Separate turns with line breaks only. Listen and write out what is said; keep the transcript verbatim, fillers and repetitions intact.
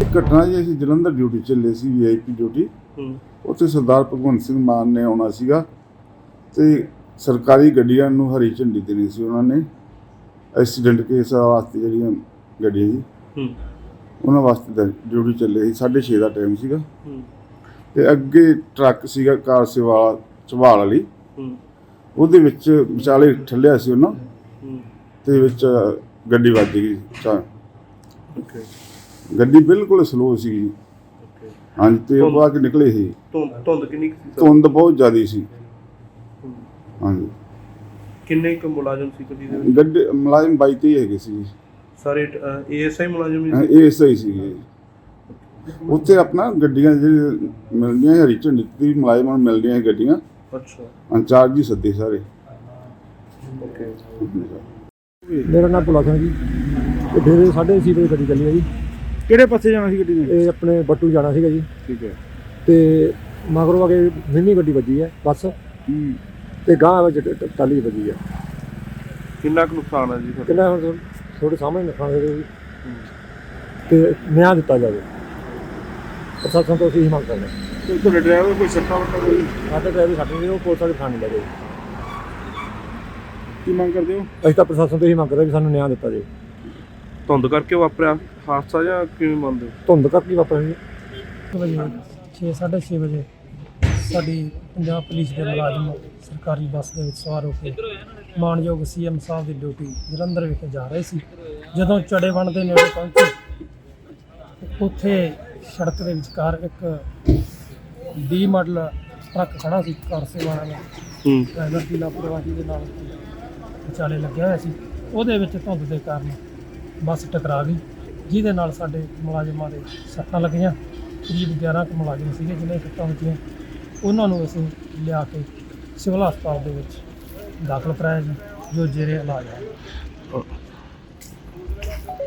ਘਟਨਾ ਜੀ ਅਸੀਂ ਜਲੰਧਰ ਡਿਊਟੀ ਚੱਲੇ ਸੀ, ਵੀ ਆਈ ਪੀ ਡਿਊਟੀ। ਉੱਥੇ ਸਰਦਾਰ ਭਗਵੰਤ ਸਿੰਘ ਮਾਨ ਨੇ ਆਉਣਾ ਸੀਗਾ ਤੇ ਸਰਕਾਰੀ ਗੱਡੀਆਂ ਨੂੰ ਹਰੀ ਝੰਡੀ ਦੇਣੀ ਸੀ ਉਹਨਾਂ ਨੇ। ਐਕਸੀਡੈਂਟ ਕੇਸ ਵਾਸਤੇ ਜਿਹੜੀਆਂ ਗੱਡੀਆਂ ਜੀ ਉਹਨਾਂ ਵਾਸਤੇ ਡਿਊਟੀ ਚੱਲੇ ਸੀ। ਸਾਢੇ ਛੇ ਦਾ ਟਾਈਮ ਸੀਗਾ ਤੇ ਅੱਗੇ ਟਰੱਕ ਸੀਗਾ ਕਾਰ ਸੇਵਾ ਝਵਾਲ ਵਾਲੀ, ਉਹਦੇ ਵਿੱਚ ਵਿਚਾਲੇ ਠੱਲਿਆ ਸੀ ਉਹਨਾਂ ਤੇ ਵਿੱਚ ਗੱਡੀ ਵੱਜ ਗਈ। ਗੱਡੀ ਬਿਲਕੁਲ ਸਲੋ ਸੀ। ਹਾਂਜੀ, ਤੇ ਉਹ ਬਾਅਦ ਨਿਕਲੇ ਸੀ।
ਧੁੰਦ ਕਿੰਨੀ ਸੀ?
ਧੁੰਦ ਬਹੁਤ ਜ਼ਿਆਦਾ ਸੀ। ਹਾਂਜੀ।
ਕਿੰਨੇ ਕੁ ਮੁਲਾਜ਼ਮ ਸੀ ਗੱਡੀ ਦੇ ਵਿੱਚ?
ਗੱਡੀ ਮੁਲਾਜ਼ਮ ਬਾਈ ਤੇਈ ਹੈਗੇ ਸੀ
ਸਾਰੇ। ਏ ਐਸ ਆਈ ਮੁਲਾਜ਼ਮ ਹੀ
ਸੀ? ਏ ਐਸ ਆਈ ਸੀਗੇ। ਉੱਥੇ ਆਪਣਾ ਗੱਡੀਆਂ ਜਿਹੜੀ ਮਿਲਦੀਆਂ ਹਰੀ ਝੰਡੀ ਦੀ ਮੁਲਾਜ਼ਮਾਂ ਨੂੰ ਮਿਲਦੀਆਂ ਸੀ ਗੱਡੀਆਂ।
ਅੱਛਾ।
ਇੰਚਾਰਜ ਹੀ ਸੱਦੇ ਸਾਰੇ।
ਓਕੇ।
ਮੇਰਾ ਨਾਮ ਭੁਲਾ ਸਿੰਘ ਜੀ। ਤੇ ਫਿਰ ਸਾਢੇ ਛੇ ਵਜੇ ਗੱਡੀ ਚੱਲੀ ਹੈ ਜੀ।
ਕਿਹੜੇ ਪਾਸੇ ਜਾਣਾ ਸੀ ਗੱਡੀ ਨੇ?
ਇਹ ਆਪਣੇ ਬੱਟੂ ਜਾਣਾ ਸੀਗਾ ਜੀ।
ਠੀਕ ਹੈ।
ਤੇ ਮਗਰੋਂ ਆ ਕੇ ਮਿੰਨੀ ਗੱਡੀ ਵੱਜੀ ਹੈ ਬੱਸ, ਤੇ ਗਾਂਹ ਵਿੱਚ ਟਾਲੀ ਵੱਜੀ ਹੈ।
ਕਿੰਨਾ ਕੁ ਨੁਕਸਾਨ ਹੈ ਜੀ?
ਕਿੰਨਾ ਹੁਣ ਤੁਹਾਡੇ ਸਾਹਮਣੇ ਨੁਕਸਾਨ ਹੋਇਆ ਜੀ। ਤੇ ਨਿਆਂ ਦਿੱਤਾ ਜਾਵੇ, ਪ੍ਰਸ਼ਾਸਨ ਤੋਂ ਅਸੀਂ ਮੰਗ ਕਰਦੇ ਹਾਂ।
ਤੁਹਾਡੇ ਡਰਾਈਵਰ ਕੋਈ ਸੱਟਾਂ ਵੱਟਾਂ ਕੋਈ?
ਸਾਡੇ ਡਰਾਈਵਰ ਸਾਡੇ ਨਹੀਂ, ਉਹ ਪੁਲਿਸ ਵਾਲੇ ਥਾਣੇ ਲੈ ਗਏ।
ਕੀ ਮੰਗ ਕਰਦੇ ਹੋ?
ਅਸੀਂ ਤਾਂ ਪ੍ਰਸ਼ਾਸਨ ਤੋਂ ਹੀ ਮੰਗ ਕਰਦੇ ਵੀ ਸਾਨੂੰ ਨਿਆਂ ਦਿੱਤਾ ਜਾਵੇ।
ਧੁੰਦ ਕਰਕੇ ਵਾਪਰਿਆ ਹਾਦਸਾ ਜਾਂ ਕਿਵੇਂ ਮੰਨਦੇ ਹੋ?
ਧੁੰਦ ਕਰਕੇ ਵਾਪਰਿਆ ਜੀ।
ਵਜੇ ਛੇ ਸਾਢੇ ਛੇ ਵਜੇ ਸਾਡੀ ਪੰਜਾਬ ਪੁਲਿਸ ਦੇ ਮੁਲਾਜ਼ਮ ਸਰਕਾਰੀ ਬੱਸ ਦੇ ਵਿੱਚ ਸਵਾਰ ਹੋ ਕੇ ਮਾਣਯੋਗ ਸੀ ਐਮ ਸਾਹਿਬ ਦੀ ਡਿਊਟੀ ਜਲੰਧਰ ਵਿਖੇ ਜਾ ਰਹੇ ਸੀ। ਜਦੋਂ ਚੜੇਵਣ ਦੇ ਨੇੜੇ ਪਹੁੰਚੇ, ਉੱਥੇ ਸੜਕ ਦੇ ਵਿਚਕਾਰ ਇੱਕ ਡੀ ਮਾਡਲ ਟਰੱਕ ਖੜਾ ਸੀ ਕਾਰ ਸੇਵਾ ਵਾਲਾ। ਡਰਾਈਵਰ ਦੀ ਲਾਪਰਵਾਹੀ ਦੇ ਨਾਲ ਵਿਚਾਲੇ ਲੱਗਿਆ ਹੋਇਆ ਸੀ। ਉਹਦੇ ਵਿੱਚ ਧੁੰਦ ਦੇ ਕਾਰਨ ਬੱਸ ਟਕਰਾ ਗਈ, ਜਿਹਦੇ ਨਾਲ ਸਾਡੇ ਮੁਲਾਜ਼ਮਾਂ ਦੇ ਸੱਟਾਂ ਲੱਗੀਆਂ। ਕਰੀਬ ਗਿਆਰਾਂ ਕੁ ਮੁਲਾਜ਼ਮ ਸੀਗੇ ਜਿਹਨਾਂ ਦੀਆਂ ਸੱਟਾਂ ਵੱਜੀਆਂ। ਉਹਨਾਂ ਨੂੰ ਅਸੀਂ ਲਿਆ ਕੇ ਸਿਵਲ ਹਸਪਤਾਲ ਦੇ ਵਿੱਚ ਦਾਖਲ ਕਰਾਇਆ ਜੀ, ਜੋ ਜੇਰੇ ਇਲਾਜ ਹੈ।